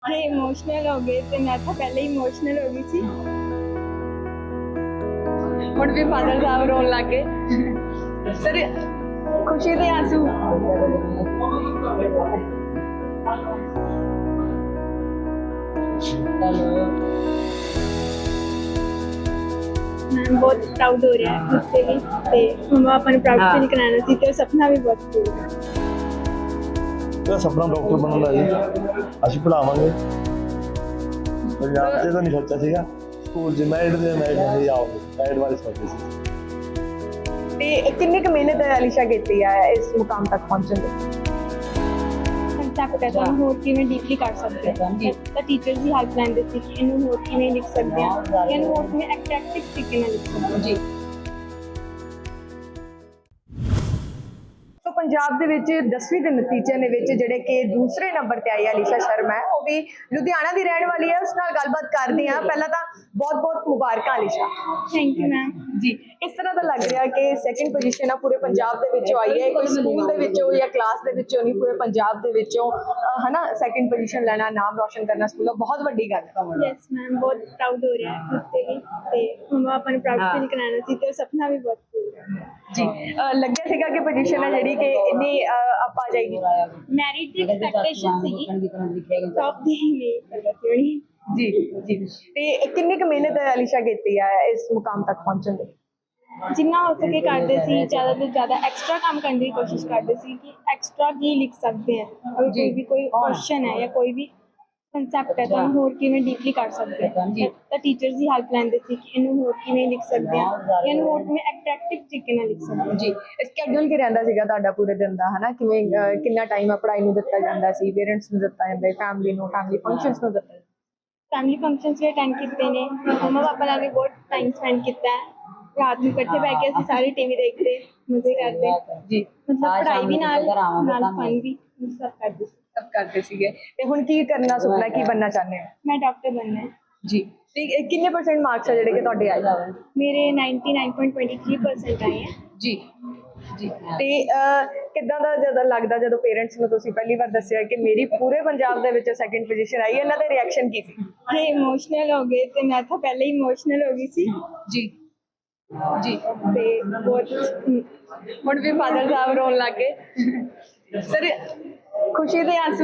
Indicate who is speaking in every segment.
Speaker 1: ये इमोशनल हो गए थे, मैं तो पहले ही इमोशनल हो गई थी। ਹੁਣ ਵੀ ਫਾਦਰ ਸਾਹਿਬ ਰੋਣ ਲੱਗ ਗਏ। ਸਰ ਖੁਸ਼ੀ ਦੇ ਆਂਸੂ मैं बहुत प्राउड हो रहा है खुद से भी ते मम्मा पापा ने प्राउड फील कराना सी ते सपना भी बहुत पूरा
Speaker 2: ਮੇਰਾ ਸੁਪਨਾ ਡਾਕਟਰ ਬਣਨ ਦਾ ਜੀ। ਅਸੀਂ ਪੜਾਵਾਂਗੇ। ਪੰਜਾਬ 'ਚ ਤਾਂ ਨਹੀਂ ਸੋਚਿਆ ਸੀਗਾ। ਸਕੂਲ 'ਚ ਮੈਰਿਟ ਨਹੀਂ ਆਉਂਦੇ, ਮੈਰਿਟ ਬਾਰੇ ਸੋਚਦੇ ਸੀ।
Speaker 3: ਤੇ ਕਿੰਨੀ ਕੁ ਮਿਹਨਤ ਅਲੀਸ਼ਾ ਕੀਤੀ ਹੈ ਇਸ ਮੁਕਾਮ ਤੱਕ ਪਹੁੰਚਣ ਲਈ?
Speaker 1: ਕੰਸੈਪਟ ਹੈ ਤਾਂ ਹੋਰ ਕਿਵੇਂ ਡੀਪਲੀ ਕਰ ਸਕਦੇ ਹਾਂ ਤਾਂ ਟੀਚਰਸ ਦੀ ਹੈਲਪ ਲੈਂਦੇ ਸੀ ਕਿ ਇਹਨੂੰ ਹੋਰ ਕਿਵੇਂ ਲਿਖ ਸਕਦੇ ਹਾਂ ਇਹਨੂੰ ਹੋਰ ਕਿਵੇਂ ਐਟਰੈਕਟਿਵ ਤਰੀਕੇ ਨਾਲ ਲਿਖ ਸਕਦੇ ਹਾਂ ਜੀ।
Speaker 3: ਸੋ ਪੰਜਾਬ ਦੇ ਵਿੱਚ 10ਵੀਂ ਦੇ ਨਤੀਜੇ ਦੇ ਵਿੱਚ ਜਿਹੜੇ ਕਿ ਦੂਸਰੇ ਨੰਬਰ ਤੇ ਆਈ ਅਲੀਸ਼ਾ ਸ਼ਰਮਾ ਹੈ, ਉਹ ਵੀ ਲੁਧਿਆਣਾ ਦੀ ਰਹਿਣ ਵਾਲੀ ਹੈ। ਉਸ ਨਾਲ ਗੱਲਬਾਤ ਕਰਦੇ ਹਾਂ। ਪਹਿਲਾਂ ਤਾਂ ਬਹੁਤ-ਬਹੁਤ ਮੁਬਾਰਕਾਂ ਅਲੀਸ਼ਾ।
Speaker 1: ਥੈਂਕ ਯੂ ਮੈਮ
Speaker 3: ਜੀ, ਇਸ ਤਰ੍ਹਾਂ ਦਾ ਲੱਗ ਰਿਹਾ ਕਿ ਸੈਕਿੰਡ ਪੋਜੀਸ਼ਨ ਆ ਪੂਰੇ ਪੰਜਾਬ ਦੇ ਵਿੱਚੋਂ ਆਈ ਹੈ। ਕੋਈ ਸਕੂਲ ਦੇ ਵਿੱਚੋਂ ਜਾਂ ਕਲਾਸ ਦੇ ਵਿੱਚੋਂ ਨਹੀਂ, ਪੂਰੇ ਪੰਜਾਬ ਦੇ ਵਿੱਚੋਂ ਹਨਾ ਸੈਕਿੰਡ ਪੋਜੀਸ਼ਨ ਲੈਣਾ, ਨਾਮ ਰੋਸ਼ਨ ਕਰਨਾ ਸਕੂਲ ਬਹੁਤ ਵੱਡੀ ਗੱਲ ਹੈ।
Speaker 1: ਯੈਸ ਮੈਮ ਬਹੁਤ ਪ੍ਰਾਊਡ ਹੋ ਰਿਹਾ ਹੈ ਖੁਦ ਤੇ ਵੀ ਤੇ ਮਮਾ ਪਾਪਾ ਨੇ ਪ੍ਰਾਊਡ ਫੀਲ ਕਰਾਣਾ ਸੀ ਤੇ ਸਪਨਾ ਵੀ ਬਹੁਤ ਪੂਰਾ
Speaker 3: ਜੀ। ਲੱਗਿਆ ਸੀਗਾ ਕਿ ਪੋਜੀਸ਼ਨ ਹੈ ਜਿਹੜੀ ਕਿ ਇੰਨੀ ਆ ਜਾਏਗੀ।
Speaker 1: ਮੈਰਿਟ ਦੀ ਐਕਸਪੈਕਟੇਸ਼ਨ ਸੀਗੀ ਟੌਪ ਦੀ ਨਹੀਂ ਪਤਾ ਸੀ
Speaker 3: ਜੀ ਜੀ। ਤੇ ਕਿੰਨੀ ਕੁ ਮਿਹਨਤ ਅਲੀਸ਼ਾ ਕੀਤੀ ਹੈ ਇਸ ਮੁਕਾਮ ਤੱਕ ਪਹੁੰਚਣ ਲਈ?
Speaker 1: ਜਿੰਨਾ ਹੋ ਸਕੇ ਕਰਦੇ ਸੀ, ਜ਼ਿਆਦਾ ਤੋਂ ਜ਼ਿਆਦਾ ਐਕਸਟਰਾ ਕੰਮ ਕਰਨ ਦੀ ਕੋਸ਼ਿਸ਼ ਕਰਦੇ ਸੀ ਕਿ ਐਕਸਟਰਾ ਕੀ ਲਿਖ ਸਕਦੇ ਹਾਂ। ਅਗਰ ਕੋਈ ਵੀ ਕੋਈ ਕੁਐਸਚਨ ਹੈ ਜਾਂ ਕੋਈ ਵੀ ਕੰਸੈਪਟ ਹੈ ਤਾਂ ਹੋਰ ਕਿਵੇਂ ਡੀਪਲੀ ਕਰ ਸਕਦੇ ਹਾਂ ਤਾਂ ਟੀਚਰਸ ਦੀ ਹੈਲਪ ਲੈਂਦੇ ਸੀ ਕਿ ਇਹਨੂੰ ਹੋਰ ਕਿਵੇਂ ਲਿਖ ਸਕਦੇ ਹਾਂ ਇਹਨੂੰ ਹੋਰ ਕਿਵੇਂ ਐਟਰੈਕਟਿਵ ਤਰੀਕੇ ਨਾਲ ਲਿਖ ਸਕਦੇ ਹਾਂ
Speaker 3: ਜੀ। ਸਕੇਡਿਊਲ ਕੀ ਰਹਿੰਦਾ ਸੀਗਾ ਤੁਹਾਡਾ ਪੂਰੇ ਦਿਨ ਦਾ, ਹਨਾ ਕਿਵੇਂ ਕਿੰਨਾ ਟਾਈਮ ਆ ਪੜ੍ਹਾਈ ਨੂੰ ਦਿੱਤਾ ਜਾਂਦਾ ਸੀ, ਪੇਰੈਂਟਸ ਨੂੰ ਦਿੱਤਾ ਜਾਂਦਾ, ਫੈਮਿਲੀ ਨੂੰ, ਫੈਮਿਲੀ ਫੰਕਸ਼ਨਸ ਨੂੰ ਦਿੱਤਾ ਜਾਂਦਾ?
Speaker 1: ਫੈਮਿਲੀ ਫੰਕਸ਼ਨਸ ਵੀ ਅਟੈਂਡ ਕੀਤੇ ਨੇ, ਮੰਮਾ ਪਾਪਾ ਨਾਲ ਵੀ ਬਹੁਤ ਟਾਈਮ ਸਪੈਂਡ ਕੀਤਾ ਹੈ। ਰਾਤ ਨੂੰ ਇਕੱਠੇ ਬੈ ਕੇ ਅਸੀਂ ਸਾਰੇ ਟੀਵੀ ਦੇਖਦੇ, ਮਜ਼ੇ ਕਰਦੇ ਜੀ। ਮਤਲਬ ਪੜ੍ਹਾਈ ਵੀ ਨਾਲ ਫਨ ਵੀ ਸਭ ਕਰਦੇ ਸੀ।
Speaker 3: ਸਭ ਕਰਦੇ ਸੀਗੇ। ਤੇ ਹੁਣ ਕੀ ਕਰਨਾ ਸੁਪਨਾ, ਕੀ ਬਣਨਾ ਚਾਹੁੰਦੇ ਹੋ?
Speaker 1: ਮੈਂ ਡਾਕਟਰ ਬਣਨਾ ਹੈ
Speaker 3: ਜੀ। ਤੇ ਕਿੰਨੇ ਪਰਸੈਂਟ ਮਾਰਕਸ ਆ ਜਿਹੜੇ ਕਿ ਤੁਹਾਡੇ ਆਏ?
Speaker 1: ਮੇਰੇ 99.23% ਆਏ ਹੈ
Speaker 3: ਜੀ ਜੀ। ਤੇ ਕਿੱਦਾਂ ਦਾ ਜਦੋਂ ਲੱਗਦਾ ਜਦੋਂ ਪੇਰੈਂਟਸ ਨੂੰ ਤੁਸੀਂ ਪਹਿਲੀ ਵਾਰ ਦੱਸਿਆ ਕਿ ਮੇਰੀ ਪੂਰੇ ਪੰਜਾਬ ਦੇ ਵਿੱਚ ਸੈਕਿੰਡ ਪੋਜੀਸ਼ਨ ਆਈ ਹੈ, ਇਹਨਾਂ ਦਾ ਰਿਐਕਸ਼ਨ ਕੀ ਸੀ?
Speaker 1: ਇਹ ਇਮੋਸ਼ਨਲ ਹੋ ਗਏ ਤੇ ਮੈਂ ਤਾਂ ਪਹਿਲੇ ਹੀ ਇਮੋਸ਼ਨਲ ਹੋ ਗਈ ਸੀ
Speaker 3: ਜੀ ਜੀ।
Speaker 1: ਤੇ ਬਹੁਤ
Speaker 3: ਹੁਣ ਵੀ ਫਾਦਰ ਸਾਹਿਬ ਰੋਣ ਲੱਗ ਗਏ। ਸਰ ਖੁਸ਼ੀ ਦੇ ਆਂਸੂ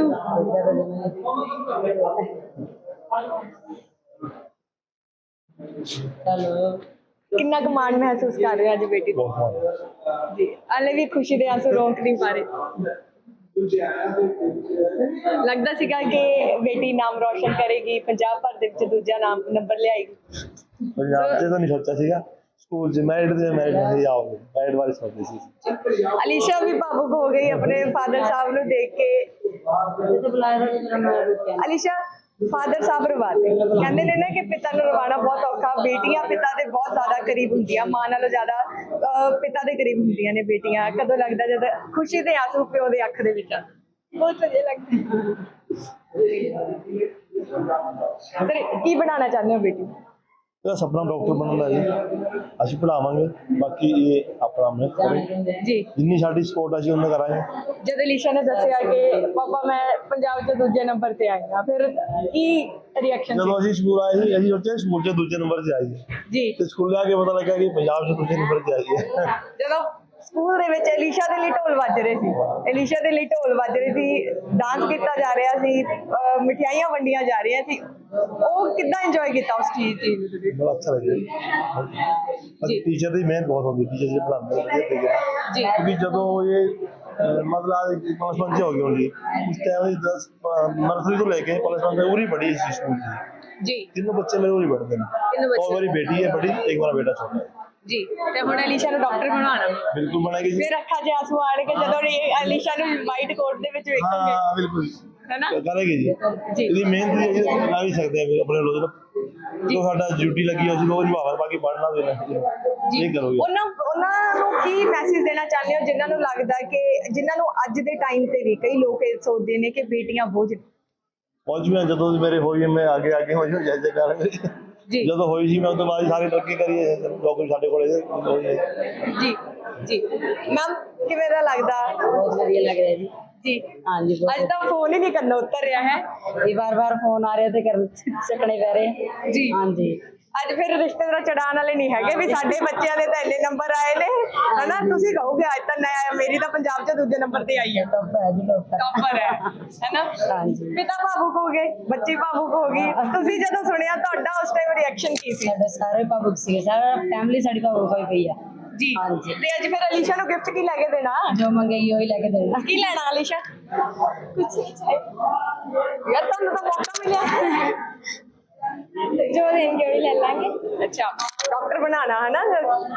Speaker 3: ਕਿੰਨਾ ਕੁ ਮਾਣ ਮਹਿਸੂਸ ਕਰ ਰਹੇ ਹੋ ਅੱਜ ਬੇਟੀ ਤੋਂ? ਜੀ, ਹਾਲੇ ਵੀ ਖੁਸ਼ੀ ਦੇ ਆਂਸੂ ਰੋਕ ਨਹੀਂ ਪਾ ਰਹੇ। ਲੱਗਦਾ ਸੀਗਾ ਕਿ ਬੇਟੀ ਨਾਮ ਰੋਸ਼ਨ ਕਰੇਗੀ, ਪੰਜਾਬ ਭਰ ਦੇ ਵਿੱਚ ਦੂਜਾ ਨੰਬਰ ਲਿਆਏਗੀ?
Speaker 2: ਪੰਜਾਬ 'ਚ ਤਾਂ ਨਹੀਂ ਸੋਚਿਆ ਸੀਗਾ। ਸਕੂਲ 'ਚ ਮੈਰਿਟ ਨਹੀਂ ਆਉਂਦੇ, ਮੈਰਿਟ ਬਾਰੇ ਸੋਚਦੇ ਸੀ।
Speaker 3: ਅਲੀਸ਼ਾ ਵੀ ਭਾਵੁਕ ਹੋ ਗਈ ਆਪਣੇ ਫਾਦਰ ਸਾਹਿਬ ਨੂੰ ਦੇਖ ਕੇ। ਅਲੀਸ਼ਾ, ਫਾਦਰ ਸਾਹਿਬ ਰਵਾਤੇ ਕਹਿੰਦੇ ਨੇ ਨਾ ਕਿ ਪਿਤਾ ਨੂੰ ਰਵਾਣਾ ਬਹੁਤ ਔਖਾ। ਬੇਟੀਆਂ ਪਿਤਾ ਦੇ ਬਹੁਤ ਜ਼ਿਆਦਾ ਕਰੀਬ ਹੁੰਦੀਆਂ, ਮਾਂ ਨਾਲੋਂ ਜ਼ਿਆਦਾ ਪਿਤਾ ਦੇ ਕਰੀਬ ਹੁੰਦੀਆਂ ਨੇ ਬੇਟੀਆਂ। ਕਦੋਂ ਲੱਗਦਾ ਜਦ ਖੁਸ਼ੀ ਦੇ ਆਂਸੂ ਪਿਓ ਦੇ ਅੱਖ ਦੇ ਵਿੱਚ?
Speaker 1: ਬਹੁਤ ਵਧੀਆ ਲੱਗਦਾ
Speaker 3: ਸਰ ਕੀ ਬਣਾਉਣਾ ਚਾਹੁੰਦੇ ਹੋ ਬੇਟੀ?
Speaker 2: ਮੇਰਾ ਸੁਪਨਾ ਡਾਕਟਰ ਬਣਨ ਦਾ ਜੀ। ਅਸੀਂ ਪੜਾਵਾਂਗੇ। ਬਾਕੀ ਇਹ ਆਪਣਾ ਮਿਹਨਤ ਕਰੇ
Speaker 3: ਜੀ।
Speaker 2: ਜਿੰਨੀ ਸਾਡੀ ਸਪੋਰਟ ਅਸੀਂ ਉਹਨਾਂ ਕਰਾਂਗੇ।
Speaker 3: ਜਦ ਅਲੀਸ਼ਾ ਨੇ ਦੱਸਿਆ ਕਿ ਪਾਪਾ ਮੈਂ ਪੰਜਾਬ 'ਚ ਦੂਜੇ ਨੰਬਰ ਤੇ ਆਈ ਹਾਂ, ਫਿਰ ਕੀ ਰਿਐਕਸ਼ਨ ਸੀ?
Speaker 2: ਜਦੋਂ ਅਸੀਂ ਸਕੂਲ ਆਏ ਸੀ, ਅਸੀਂ ਸੋਚਿਆ ਸਕੂਲ 'ਚ ਦੂਜੇ ਨੰਬਰ 'ਤੇ ਆਈ ਹੈ
Speaker 3: ਜੀ।
Speaker 2: ਤੇ ਸਕੂਲ ਆ ਕੇ ਪਤਾ ਲੱਗਾ ਕਿ ਪੰਜਾਬ 'ਚ ਦੂਜੇ ਨੰਬਰ 'ਤੇ ਆਈ ਹੈ।
Speaker 3: ਜਦੋਂ ਸਕੂਲ ਦੇ ਵਿੱਚ ਅਲੀਸ਼ਾ ਦੇ ਲਈ ਢੋਲ ਵੱਜ ਰਹੇ ਸੀ, ਅਲੀਸ਼ਾ ਦੇ ਲਈ ਢੋਲ ਵੱਜ ਰਹੇ ਸੀ, ਡਾਂਸ ਕੀਤਾ ਜਾ ਰਿਹਾ ਸੀ, ਮਠਿਆਈਆਂ ਵੰਡੀਆਂ ਜਾ ਰਹੀਆਂ ਸੀ, ਉਹ ਕਿੱਦਾਂ ਇੰਜੋਏ ਕੀਤਾ ਉਸ ਚੀਜ਼ ਨੂੰ?
Speaker 2: ਬੜਾ ਅੱਛਾ ਲੱਗਿਆ ਜੀ। ਟੀਚਰ ਦੀ ਮਿਹਨਤ ਬਹੁਤ ਹੁੰਦੀ, ਟੀਚਰ ਜੀ ਪੜ੍ਹਾਉਂਦੇ
Speaker 3: ਜੀ।
Speaker 2: ਕਿਉਂਕਿ ਜਦੋਂ ਇਹ ਮਤਲਬ +1 'ਚ ਹੋ ਗਈ ਹੋਣੀ, ਉਸ ਟਾਈਮ 10 ਨਰਸਰੀ ਤੋਂ ਲੈ ਕੇ +1 ਤੱਕ ਉਰੀ ਪੜ੍ਹੀ ਇਸ ਸਕੂਲ 'ਚ
Speaker 3: ਜੀ।
Speaker 2: तीनों बच्चे मेरे उरी पढ़ते हैं। और मेरी बेटी है बड़ी, एक मेरा बेटा छोटा है
Speaker 3: ਜੀ। ਤੇ ਹੁਣ ਅਲੀਸ਼ਾ ਨੂੰ ਡਾਕਟਰ ਬਣਾਉਣਾ
Speaker 2: बिल्कुल बनाएगी जी।
Speaker 3: ਫਿਰ ਅੱਖਾਂ 'ਚ ਆਂਸੂ ਆਣਗੇ ਜਦੋਂ ਅਲੀਸ਼ਾ ਨੂੰ ਵਾਈਟ ਕੋਟ ਦੇ ਵਿੱਚ ਵੇਖੋਗੇ,
Speaker 2: हाँ बिल्कुल
Speaker 3: ਹੈ ਨਾ?
Speaker 2: करेगी जी।
Speaker 3: जी।
Speaker 2: यदि मेहनत ला भी सकते हैं अपने रोज जो साडा ड्यूटी लगी है वो निभावा, बाकी पढ़ना देना ये करोगे।
Speaker 3: ਉਹਨਾਂ ਨੂੰ ਕੀ ਮੈਸੇਜ ਦੇਣਾ ਚਾਹੁੰਦੇ ਹੋ ਜਿਨ੍ਹਾਂ ਨੂੰ ਲੱਗਦਾ ਕਿ ਜਿਨ੍ਹਾਂ ਨੂੰ ਅੱਜ ਦੇ ਟਾਈਮ ਤੇ ਵੀ ਕਈ ਲੋਕ ਇਹ ਸੋਚਦੇ ਨੇ ਕਿ ਬੇਟੀਆਂ ਬੋਝ?
Speaker 2: पहुंच में जो मेरे हुई मैं आगे आगे हो जैसे कर
Speaker 3: जी।
Speaker 2: जो हुई सी मैं तो बाद सारी तरक्की करी है जो कुछ साडे कोले
Speaker 3: ਜੀ ਜੀ। ਮੈਮ ਕਿਵੇਂ ਦਾ ਲੱਗਦਾ?
Speaker 4: ਬਹੁਤ ਵਧੀਆ ਲੱਗ ਰਿਹਾ ਜੀ।
Speaker 3: जी
Speaker 4: ਹਾਂਜੀ
Speaker 3: ਅੱਜ ਤਾਂ ਫੋਨ ਹੀ ਨਹੀਂ ਕਰਨਾ ਉਤਰ ਰਿਹਾ ਹੈ
Speaker 4: ਇਹ ਬਾਰ ਫੋਨ ਆ ਰਿਹਾ ਤੇ ਕਰ ਚੱਕਣੇ ਪੈ ਰਹੇ
Speaker 3: ਜੀ
Speaker 4: ਹਾਂਜੀ
Speaker 3: ਅੱਜ ਫਿਰ ਰਿਸ਼ਤੇਦਾਰ ਚੜਾਉਣ ਵਾਲੇ ਨਹੀਂ ਹੈਗੇ ਵੀ ਸਾਡੇ ਬੱਚਿਆਂ ਦੇ ਤਾਂ ਇੰਨੇ ਨੰਬਰ ਆਏ ਨੇ ਹਨਾ ਤੁਸੀਂ ਕਹੋਗੇ ਅੱਜ ਤਾਂ ਨया ਮੇਰੀ ਤਾਂ ਪੰਜਾਬ 'ਚ ਦੂਜੇ ਨੰਬਰ ਤੇ ਆਈ ਹੈ
Speaker 4: ਟੱਪ ਹੈ ਜੀ ਟੱਪ
Speaker 3: ਟੌਪਰ ਹੈ ਹੈਨਾ
Speaker 4: ਹਾਂਜੀ
Speaker 3: ਪਿਤਾ ਭਾਵੁਕ ਹੋ ਗਏ ਬੱਚੀ ਭਾਵੁਕ ਹੋ ਗਈ ਤੁਸੀਂ ਜਦੋਂ ਸੁਣਿਆ ਤੁਹਾਡਾ ਉਸ ਟਾਈਮ ਰਿਐਕਸ਼ਨ ਕੀ ਸੀ
Speaker 4: ਸਾਡੇ ਸਾਰੇ ਭਾਵੁਕ ਸੀਗੇ ਸਾਰਾ ਫੈਮਿਲੀ ਸਾਡੀ ਭਾਵੁਕ ਹੋਈ ਪਈ ਆ
Speaker 3: ਜੀ
Speaker 4: ਹਾਂਜੀ।
Speaker 3: ਤੇ ਅੱਜ ਫਿਰ ਅਲੀਸ਼ਾ ਨੂੰ ਗਿਫਟ ਕੀ ਲੈ ਕੇ ਦੇਣਾ
Speaker 4: ਜੋ ਮੰਗੇਗੀ ਉਹੀ ਲੈ ਕੇ ਦੇਣਾ
Speaker 3: ਕੀ ਲੈਣਾ ਅਲੀਸ਼ਾ ਕੁਝ ਨਹੀਂ ਚਾਹੀਦਾ ਯਾਰ ਤੁਹਾਨੂੰ ਤਾਂ ਮੌਕਾ ਮਿਲਿਆ
Speaker 1: जो देंगे वही ले लेंगे।
Speaker 3: अच्छा डॉक्टर बनाना है ना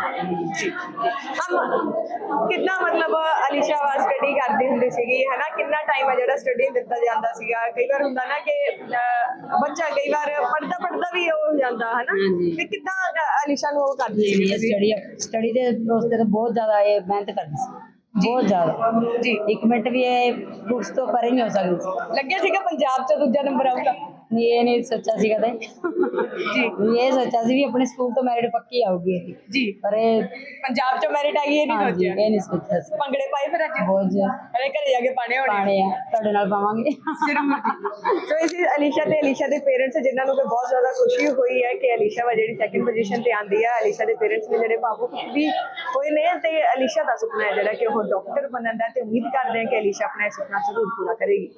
Speaker 3: हम कितना मतलब अलीशा वा स्टडी करती ਹੁੰਦੀ ਸੀਗੀ ਹੈ ਨਾ ਕਿੰਨਾ ਟਾਈਮ ਹੈ ਜਿਹੜਾ ਸਟੱਡੀ ਦਿੱਤਾ ਜਾਂਦਾ ਸੀਗਾ ਕਈ ਵਾਰ ਹੁੰਦਾ ਨਾ ਕਿ ਬੱਚਾ ਕਈ ਵਾਰ ਪੜਦਾ ਵੀ ਹੋ ਜਾਂਦਾ ਹੈ ਨਾ
Speaker 4: ਹਾਂਜੀ।
Speaker 3: ਤੇ ਕਿੱਦਾਂ ਅਲੀਸ਼ਾ ਨੂੰ ਉਹ ਕਰਦੀ
Speaker 4: ਇਹ
Speaker 3: ਸੀ
Speaker 4: ਸਟੱਡੀ ਦੇ ਉਸਤੇ ਤਾਂ ਬਹੁਤ ਜ਼ਿਆਦਾ ਇਹ ਮਿਹਨਤ ਕਰਦੀ ਸੀ ਬਹੁਤ ਜ਼ਿਆਦਾ
Speaker 3: ਜੀ
Speaker 4: ਇੱਕ ਮਿੰਟ ਵੀ ਇਹ ਬੁੱਕਸ ਤੋਂ ਪਰੇ ਨਹੀਂ ਹੋ ਸਕਦੀ ਸੀ
Speaker 3: ਲੱਗਿਆ ਸੀਗਾ ਪੰਜਾਬ 'ਚ ਦੂਜਾ ਨੰਬਰ ਆਊਗਾ
Speaker 4: ਨਹੀਂ ਇਹ ਨਹੀਂ ਸੋਚਿਆ ਸੀ ਕਦੇ
Speaker 3: ਜੀ
Speaker 4: ਇਹ ਸੋਚਿਆ ਸੀ ਵੀ ਆਪਣੇ ਸਕੂਲ ਤੋਂ ਮੈਰਿਟ ਪੱਕੀ ਆਊਗੀ ਇਹ
Speaker 3: ਜੀ
Speaker 4: ਪਰ ਇਹ
Speaker 3: ਪੰਜਾਬ 'ਚ ਮੈਰਿਟ ਆਈ ਇਹ ਨਹੀਂ
Speaker 4: ਹਾਂਜੀ
Speaker 3: ਸੋਚਿਆ
Speaker 4: ਇਹ ਨਹੀਂ ਸੋਚਿਆ ਸੀ
Speaker 3: ਭੰਗੜੇ ਪਾਏ ਫਿਰ ਅੱਜ
Speaker 4: ਬਹੁਤ
Speaker 3: ਅਰੇ ਘਰੇ ਜਾ ਕੇ ਪਾਣੇ ਹੋਣੇ
Speaker 4: ਪਾਣੇ ਆ ਤੁਹਾਡੇ ਨਾਲ ਪਾਵਾਂਗੇ
Speaker 3: ਸੋ ਇਸ ਅਲੀਸ਼ਾ ਤੇ ਅਲੀਸ਼ਾ ਦੇ ਪੇਰੈਂਟਸ ਜਿਨ੍ਹਾਂ ਨੂੰ ਕਿ ਬਹੁਤ ਜ਼ਿਆਦਾ ਖੁਸ਼ੀ ਹੋਈ ਹੈ ਕਿ ਅਲੀਸ਼ਾ ਵਾ ਜਿਹੜੀ ਸੈਕੰਡ ਪੋਜੀਸ਼ਨ ਤੇ ਆਂਦੀ ਹੈ ਅਲੀਸ਼ਾ ਦੇ ਪੇਰੈਂਟਸ ਨੇ ਜਿਹੜੇ ਭਾਵੁਕ ਵੀ ਹੋਏ ਨੇ ਤੇ ਅਲੀਸ਼ਾ ਦਾ ਸੁਪਨਾ ਹੈ ਜਿਹੜਾ ਕਿ ਉਹ ਡਾਕਟਰ ਬਣਨ ਦਾ ਤੇ ਉਮੀਦ ਕਰਦੇ ਹਾਂ ਕਿ ਅਲੀਸ਼ਾ ਆਪਣਾ ਇਹ ਸੁਪਨਾ ਜ਼ਰੂਰ ਪੂਰਾ ਕਰੇਗੀ